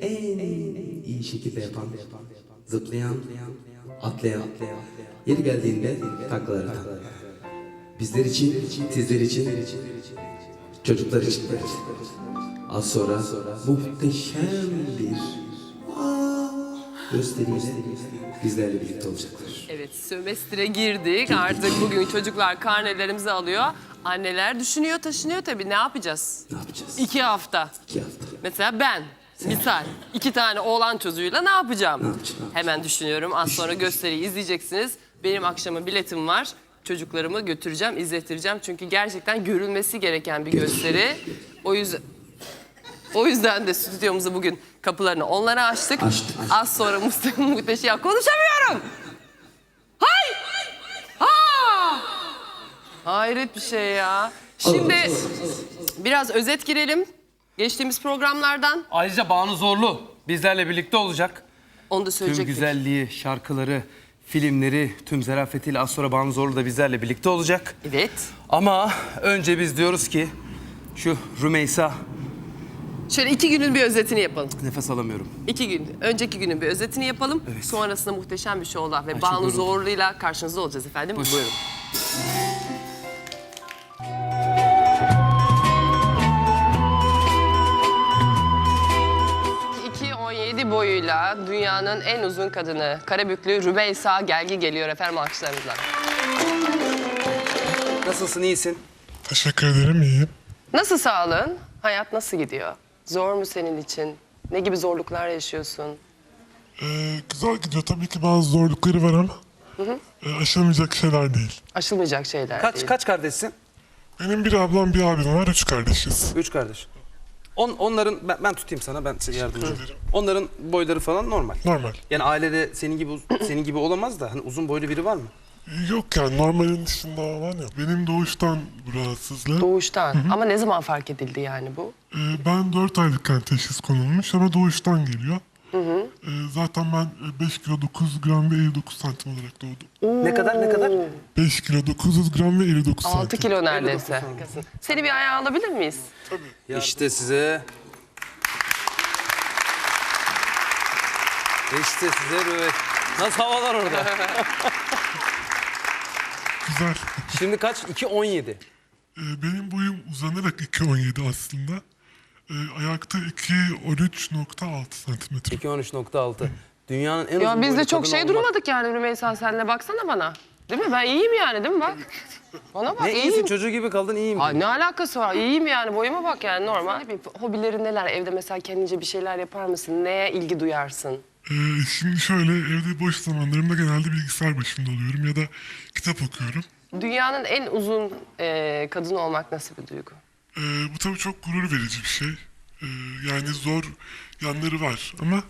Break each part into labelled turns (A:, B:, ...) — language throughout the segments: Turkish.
A: en iyi şekilde yapan, zıplayan, atlayan, yeri geldiğinde taklalar atan. Bizler için, sizler için, çocuklar için. Az sonra muhteşem bir gösteriyle bizlerle birlikte olacaklar.
B: Evet, sömestre girdik. Artık bugün çocuklar karnelerimizi alıyor. Anneler düşünüyor, taşınıyor tabii. Ne yapacağız?
A: Ne yapacağız?
B: 2 hafta.
A: 2 hafta.
B: Mesela ben, misal 2 tane oğlan çocuğuyla ne yapacağım?
A: Ne yapacağım?
B: Hemen düşünüyorum. Az sonra gösteriyi izleyeceksiniz. Benim akşama biletim var. Çocuklarımı götüreceğim, izlettireceğim. Çünkü gerçekten görülmesi gereken bir gösteri. O yüzden de stüdyomuzu bugün kapılarını onlara açtık.
A: Açtık.
B: Az sonra muhteşem... Ya konuşamıyorum! Hay! Ha! Hayret bir şey ya. Şimdi biraz özet girelim. Geçtiğimiz programlardan.
C: Ayrıca Banu Zorlu bizlerle birlikte olacak.
B: Onu da
C: Tüm
B: söyleyecektik.
C: güzelliği, şarkıları, filmleri, tüm zarafetiyle az sonra Banu Zorlu da bizlerle birlikte olacak.
B: Evet.
C: Ama önce biz diyoruz ki şu Rümeysa,
B: Şöyle 2 günün bir özetini yapalım.
C: nefes alamıyorum.
B: 2 gün. Önceki günün bir özetini yapalım.
C: Evet.
B: Sonrasında muhteşem bir şovla ve
C: çok
B: Banu
C: yoruldum.
B: Zorlu'yla karşınızda olacağız efendim. Buyurun. 2.17 boyuyla dünyanın en uzun kadını Karabüklü Rümeysa Gelgi geliyor efendim alkışlarınızla.
C: Nasılsın, iyisin?
D: Teşekkür ederim, iyiyim.
B: Nasıl sağlığın? Hayat nasıl gidiyor? Zor mu senin için? Ne gibi zorluklar yaşıyorsun?
D: Güzel gidiyor. Tabii ki bazı zorlukları var ama aşılmayacak şeyler değil.
B: Aşılmayacak şeyler değil.
C: Kaç kardeşsin?
D: Benim bir ablam, bir abim var. 3 kardeşiz.
C: 3 kardeş. Onların, ben tutayım sana, ben size yardımcı olayım.
D: ederim.
C: Onların boyları falan normal.
D: Normal.
C: Yani ailede senin gibi olamaz da hani uzun boylu biri var mı?
D: Yok yani normalin dışında olan yok. Benim doğuştan bu rahatsızlığım.
B: Doğuştan. Ama ne zaman fark edildi yani bu?
D: Ben 4 aylıkken teşhis konulmuş ama doğuştan geliyor. Zaten ben 5 kilo 9 gram ve 59 santim olarak doğdum.
C: Ne kadar?
D: 5 kilo 900 gram ve 59 santim.
B: 6 kilo neredeyse. Seni bir ayağa alabilir miyiz?
C: İşte size... İşte size böyle... Nasıl havalar orada?
D: Güzel.
C: Şimdi kaç? 2.17.
D: Benim boyum uzanarak 2.17 aslında. Ayakta 2.13.6 santimetre.
C: 2.13.6. Dünyanın en uzun
B: Ya biz de
C: boylu
B: çok
C: kadın
B: şey
C: olmak.
B: durmadık yani Rümeysa senle baksana bana. Değil mi? Ben iyiyim yani değil mi bak? Bana bak
C: Ne
B: iyiyim.
C: iyisin, çocuğu gibi kaldın, iyiyim.
B: Ay, ne alakası var? İyiyim yani boyuma bak yani normal. Hobilerin neler? Evde mesela kendince bir şeyler yapar mısın? Neye ilgi duyarsın?
D: Şimdi şöyle evde boş zamanlarımda genelde bilgisayar başında oluyorum ya da kitap okuyorum.
B: Dünyanın en uzun kadını olmak nasıl bir duygu?
D: Bu tabii çok gurur verici bir şey. Yani zor yanları var ama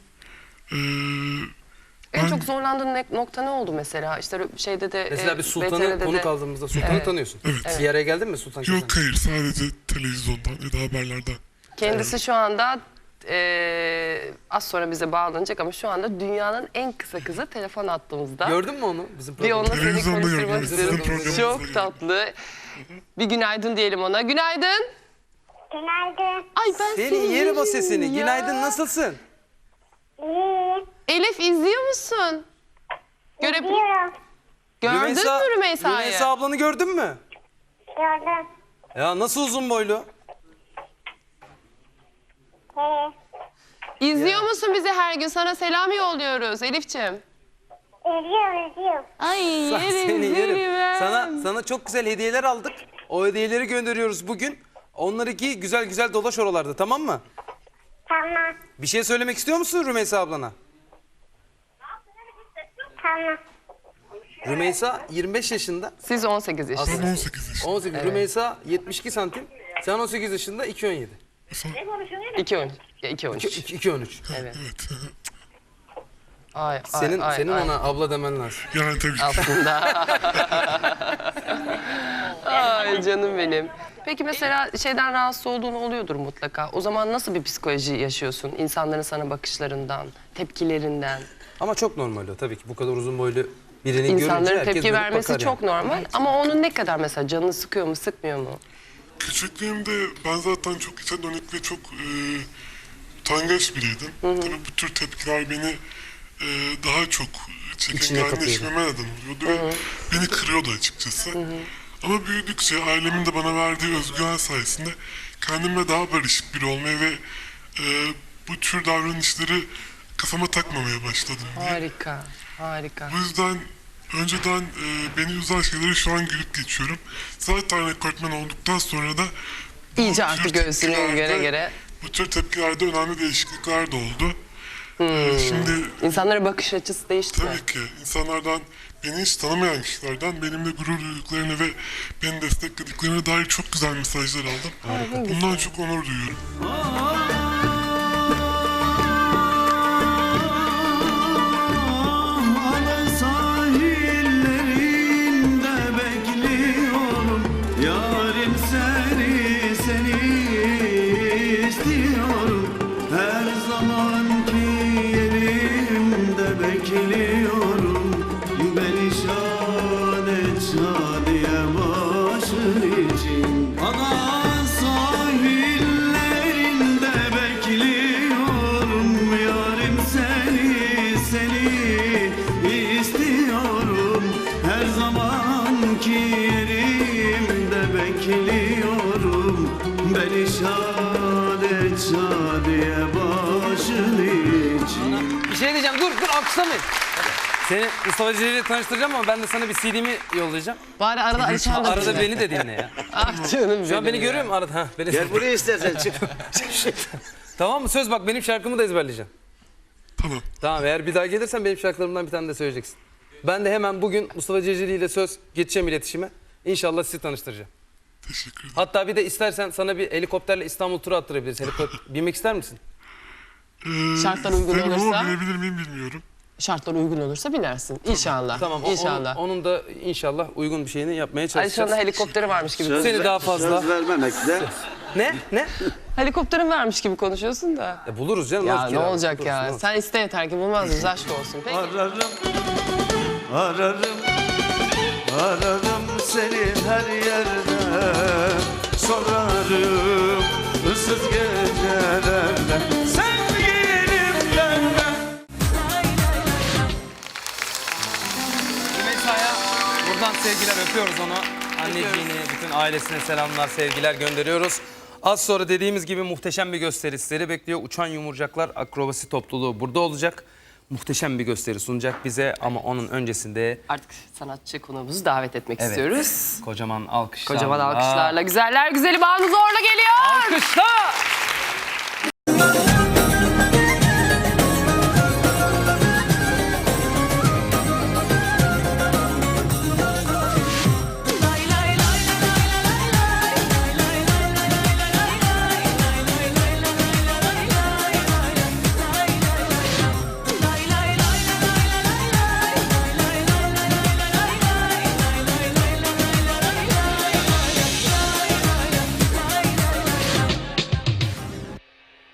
B: En
D: ben
B: çok zorlandığın nokta ne oldu mesela? İşte şeyde de...
C: Mesela bir Sultan'ı
B: VTR'de
C: konuk
B: de-
C: aldığımızda Sultan'ı tanıyorsun.
D: Evet.
C: Bir araya geldin mi Sultan Kesen?
D: yok hayır sadece televizyondan ya da haberlerden.
B: Kendisi şu anda az sonra bize bağlanacak ama şu anda dünyanın en kısa kızı telefon attığımızda.
C: Gördün mü onu? Bizim
B: Bir onunla seni
D: Televizyonda
B: konuşturmak
D: gördüm,
B: istiyorum.
D: sizin programınızda
B: Çok
D: gördüm.
B: tatlı. Bir günaydın diyelim ona. Günaydın.
E: Günaydın.
B: Ay ben seni
C: Senin yerim o sesini.
B: ya.
C: Günaydın, nasılsın?
E: İyiyim.
B: Elif izliyor musun?
E: Gidiyorum.
B: Gördün mü Rümeysa'yı?
C: Rümeysa ablanı gördün mü?
E: Gördüm.
C: Ya nasıl uzun boylu?
B: İzliyor musun bizi her gün? Sana selam yolluyoruz Elif'ciğim.
E: İzliyorum.
B: Ay yerim
C: Seni yerim.
B: ben.
C: Sana çok güzel hediyeler aldık. O hediyeleri gönderiyoruz bugün. Onları giy, güzel güzel dolaş oralarda, tamam mı?
E: Tamam.
C: Bir şey söylemek istiyor musun Rümeysa ablana?
E: Tamam.
C: Rümeysa 25 yaşında.
B: Siz 18 yaşındasınız.
D: Ben 18 yaşındayım.
C: 18. Rümeysa 72 santim. Sen 18 yaşında 2.17.
B: 2-13. Ya 2-13.
C: 2.13.
B: Evet.
D: Evet.
B: Ay,
C: Senin
B: ay.
C: ona abla demen lazım.
D: Yani tabii ki.
B: Aslında. Ay canım benim. Peki mesela şeyden rahatsız olduğun oluyordur mutlaka. O zaman nasıl bir psikoloji yaşıyorsun? İnsanların sana bakışlarından, tepkilerinden.
C: Ama çok normal o tabii ki. Bu kadar uzun boylu birini görünce
B: İnsanların
C: herkes
B: tepki
C: dönüp
B: vermesi
C: bakar
B: çok
C: yani.
B: normal. Ama onun ne kadar mesela canını sıkıyor mu, sıkmıyor mu?
D: Küçüklüğümde ben zaten çok içe dönük ve çok utangaç biriydim. Tabii bu tür tepkiler beni daha çok çekingenleşmeme neden oluyordu ve beni kırıyordu açıkçası. Ama büyüdükçe ailemin de bana verdiği özgüven sayesinde kendimle daha barışık biri olmaya ve bu tür davranışları kafama takmamaya başladım diye.
B: Harika, harika.
D: Bu yüzden önceden beni üzen şeyleri şu an gülüp geçiyorum. Zaten rekortmen olduktan sonra da
B: İyice
D: bu
B: artık
D: tür
B: göğsünü
D: tepkilerde-
B: göre.
D: Bu tür tepkilerde önemli değişiklikler de oldu. Şimdi
B: İnsanlara bakış açısı değişti mi?
D: tabii ki insanlardan, beni hiç tanımayan kişilerden benimle gurur duyduklarını ve beni desteklediklerine dair çok güzel mesajlar aldım. Bundan çok onur duyuyorum.
F: Ada sahillerinde bekliyorum. Yarim seni istiyorum. Her zamanki yerimde bekliyorum. Beni şad et şadiye başın için. Ada sahillerinde bekliyorum. Yarim seni istiyorum. Her zamanki yerimde bekliyorum. Beni şad et şadiye başın için.
C: Bir şey diyeceğim, dur alkışlamayın. Seni Mustafa Ceceli ile tanıştıracağım ama ben de sana bir CD'mi yollayacağım.
B: Bari arada Alişan da
C: Arada
B: dinle.
C: beni de dinle ya.
B: Ah canım
C: Şu an
B: benim
C: beni
B: ya.
C: görüyor musun arada? Ha, beni...
F: Gel buraya istersen çık.
C: Tamam mı? Söz bak, benim şarkımı da ezberleyeceksin.
D: Tamam.
C: Tamam, eğer bir daha gelirsen benim şarkılarımdan bir tane de söyleyeceksin. Ben de hemen bugün Mustafa Ceceli ile söz geçeceğim iletişime. İnşallah sizi tanıştıracağım.
D: Teşekkür ederim.
C: Hatta bir de istersen sana bir helikopterle İstanbul turu attırabiliriz. Binmek ister misin?
B: Şartlar uygun
D: isterim ama
B: olursa-
D: binebilir miyim bilmiyorum.
B: Şartlar uygun olursa binersin. İnşallah.
C: Tamam.
B: İnşallah.
C: Onun da inşallah uygun bir şeyini yapmaya
B: Alişan'da
C: çalışacağız.
B: helikopteri varmış gibi.
C: Seni daha fazla...
F: Söz vermemekle.
C: Ne? Ne?
B: Helikopterin varmış gibi konuşuyorsun da.
C: Buluruz canım.
B: Ya
C: nasıl
B: ne
C: kiralamak?
B: olacak
C: Buluruz,
B: ya?
C: buluruz.
B: Sen iste yeter ki bulmaz mıyız? Aşk olsun. Peki.
F: Ararım seni her yerde. Sorarım ıssız gecelerde. Sevgilimden ben.
C: Rümeysa'ya buradan sevgiler, öpüyoruz onu. Anneciğini, bütün ailesine selamlar, sevgiler gönderiyoruz. Az sonra dediğimiz gibi muhteşem bir gösteri sizleri bekliyor. Uçan Yumurcaklar Akrobasi Topluluğu burada olacak. Muhteşem bir gösteri sunacak bize ama onun öncesinde
B: Artık sanatçı konuğumuzu davet etmek istiyoruz.
C: kocaman alkışlarla.
B: Kocaman alkışlarla güzeller güzeli Banu Zorlu geliyor.
C: Alkışla!